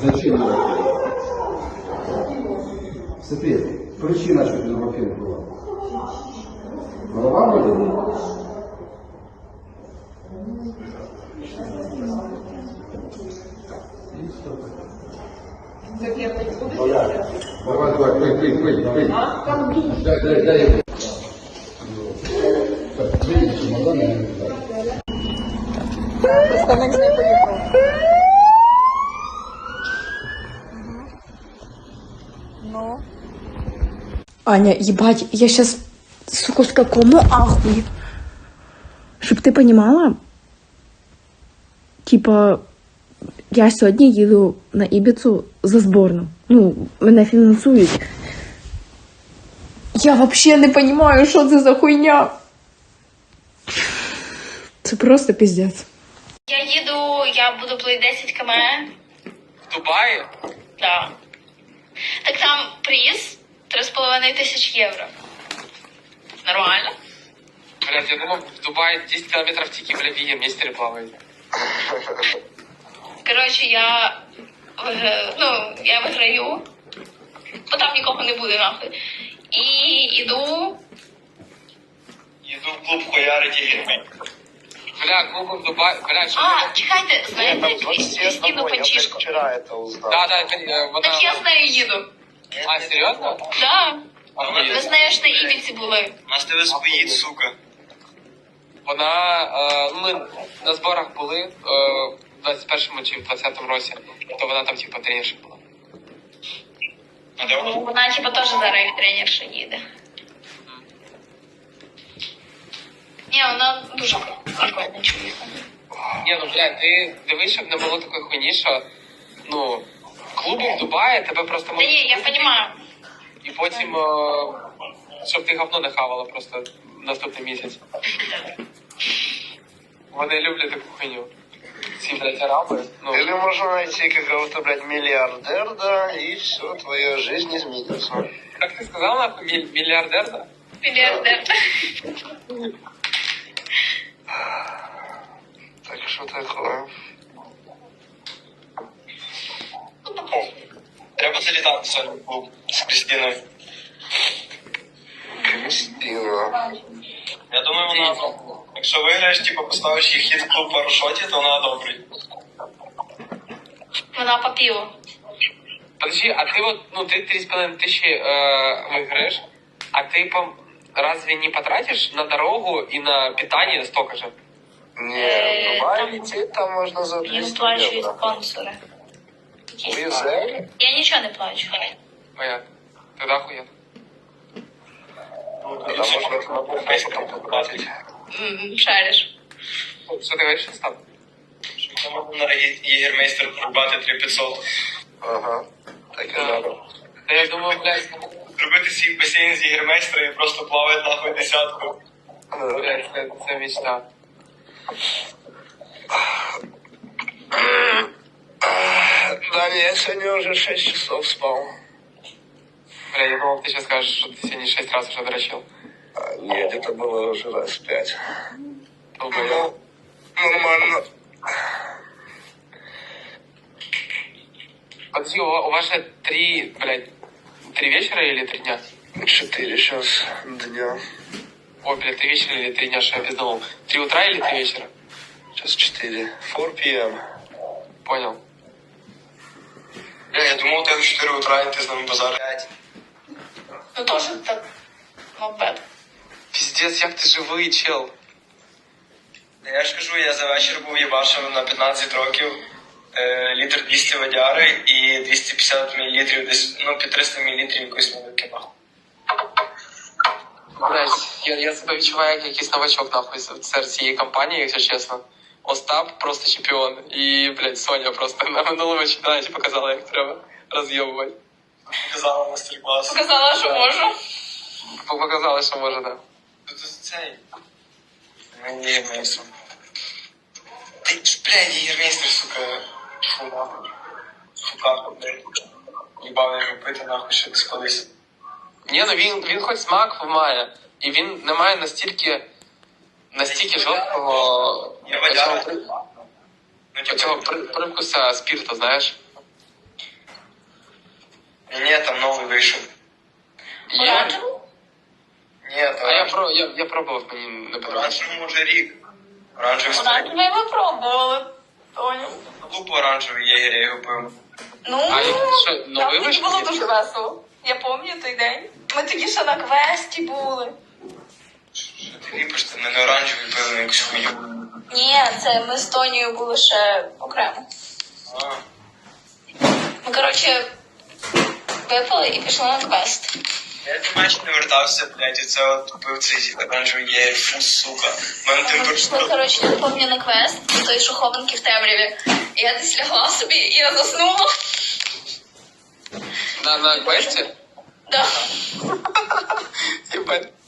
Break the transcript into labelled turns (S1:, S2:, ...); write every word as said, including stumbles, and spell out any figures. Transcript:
S1: Зачем Ерофеев? Секрет. Причина, что Ерофеев была. Голова болела? Давай, давай, пей, пей, пей, пей. Дай, дай, дай. Так, видите, чемодан, я не знаю.
S2: Представник з нею поїхав. Ну. Аня, ебать, я сейчас, сука, в такому ахуе. Щоб ти понимала, типа, я сьогодні їду на Ібіцу за зборну. Ну, мене фінансують. Я вообще не понимаю, що це за хуйня. Це просто пиздец.
S3: Я їду, я буду плити десять кілометрів.
S4: В Дубаї?
S3: Да. Так там приз три з половиною тисяч євро. Нормально?
S4: Блядь, я думал, в Дубае десять километров тики, бля, в Егеместере плавает.
S3: Коротше, я вигра- ну, я виграю, бо там нікого не буде нахуй. І іду.
S5: Їду в клуб хуярить ігри.
S4: Бля, клубы в Дубае, бля, что
S3: А, чекайте, знаєте Крістіну Панчишко?
S5: вчора это узнал.
S4: Да, да, э, вот
S3: Так я з нею їду.
S4: А, серьезно?
S3: Да.
S4: Охуєть.
S3: Ми з нею ж на Ібіці були.
S5: У нас тебе споїть, сука.
S4: Вона, е, ми на зборах були е, в двадцять першому чи в двадцятому році, то вона там, типу, тренерша була.
S5: А де вона?
S3: Вона, типа, теж зараз як тренерша їде. Ні, вона дуже прикольна чоловіка.
S4: Ні, ну, блядь, ти дивись, щоб не було такої хуйні, що, ну, клуби в Дубаї тебе просто
S3: Та
S4: можуть...
S3: ні, я розумію.
S4: І потім, е, щоб ти говно не хавала просто наступний місяць. Вони люблять таку хуйню. Ці, блядь, араби, ну...
S5: Или можно найти какого-то, блядь, миллиардер, да, и все, твоя жизнь изменится.
S4: Как ты сказал, нахуй, миль- миллиардер, да?
S3: Мільярдер.
S5: Так что такое? Треба залітати сьогодні в клуб з Крістіною. Крістіна. Я думаю, вона, якщо виграєш, типу, поставиш їх хід в клуб парашоті, то вона добрий.
S3: Вона по піву.
S4: Подожди, а ты вот, ну, ты три с половиной тысячи э, выиграешь, а ты, по, разве не потратишь на дорогу и на питание столько же?
S5: Не, в Дубай
S3: там-
S5: лететь там можна за
S3: Їм
S5: двісті
S3: сплачують
S5: євро.
S3: спонсори.
S5: Уїжджай.
S3: Я нічого не плачу.
S4: Понятно. Тогда охуенно.
S5: Там можна на попейському потратити.
S3: М, Шариш.
S4: Что ты говоришь, Остап?
S5: Що можна на Єгермейстер порубати три п'ятсот. Ага. Так і треба.
S4: Да я думаю, блядь,
S5: Зробити свій басейн з Єгермейстера і просто плавати нахуй десятку.
S4: блядь, это, это мечта.
S5: Да, не, я сегодня уже шесть часов спал.
S4: Бля, я думал, ты сейчас скажешь, что ты сегодня шесть раз уже дрочил.
S5: А, нет, это было уже раз пять.
S4: Ну, блядь.
S5: Ну, нормально.
S4: Подожди, у, ва- у вас же три, блядь, три вечера или три дня?
S5: Четыре сейчас дня.
S4: Ой, блядь, три вечера или три дня, что я пизданул. Три утра или три вечера?
S5: Сейчас четыре. четыре пи эм.
S4: Понял.
S5: Бля, я думал, ты в четыре утра, и ты с нами базар.
S3: Ну теж так. Мопед.
S4: Пиздец, як ти живий, чел.
S5: Я ж кажу, я за вечір був їбашив на п'ятнадцять років. Е, літр двісті водяри і двісті п'ятдесят мілілітрів, десь, ну, під триста мілілітрів якоїсь наливки, нахуй.
S4: Блять, я, я себе відчуваю як якийсь новачок, нахуй, серед цієї компанії, якщо чесно. Остап просто чемпіон. І, блядь, Соня просто на минулому чемпіонаті показала, як треба роз'єбувати.
S5: Показала мастер-клас.
S3: Показала, що можу.
S4: Показала, що може, да.
S5: Тут цей. Мені Єгермейстер. Ти, блядь, Єгермейстер, сука, фу, нахуй. Фука, блядь. Їбав його пити, нахуй, ще десь колись.
S4: Ні, ну він, він хоч смак має. І він не має настільки, настільки жорсткого
S5: Я водяра.
S4: оцього при-
S5: Ну,
S4: оцього
S5: типу,
S4: при- привкуса спірту, знаєш.
S5: Ні, там новий вийшов.
S4: Є?
S3: Оранжеву?
S5: Ні, то
S4: А я, про, я, я пробував, мені не подобається.
S5: оранжевий може рік. Оранжевий стоїть.
S3: Оранжевий ми пробували. Тоня.
S5: Лупо оранжевий єгер, я його пив.
S3: Ну,
S4: А і що,
S3: там
S4: новий
S3: тоді
S4: вийшов?
S3: було дуже весело. Я пам'ятаю той день. Ми тоді ще на квесті були.
S5: Що ти ліпиш, ти мене оранжевий пив на якусь хуйню.
S3: Ні, це ми з Тонією були ще окремо.
S5: А,
S3: Ми, коротше, випили і пішли на квест.
S5: я до матчі не вертався, блядь, і це от пив цей оранжевий єгер, фу, сука. У мене
S3: Ми пішли,
S5: температура.
S3: коротше, не пам'ятаю на квест, той, що хованки в темряві. І я десь лягла собі, і я заснула.
S4: На, на квесті?
S3: Да.
S4: Єбать.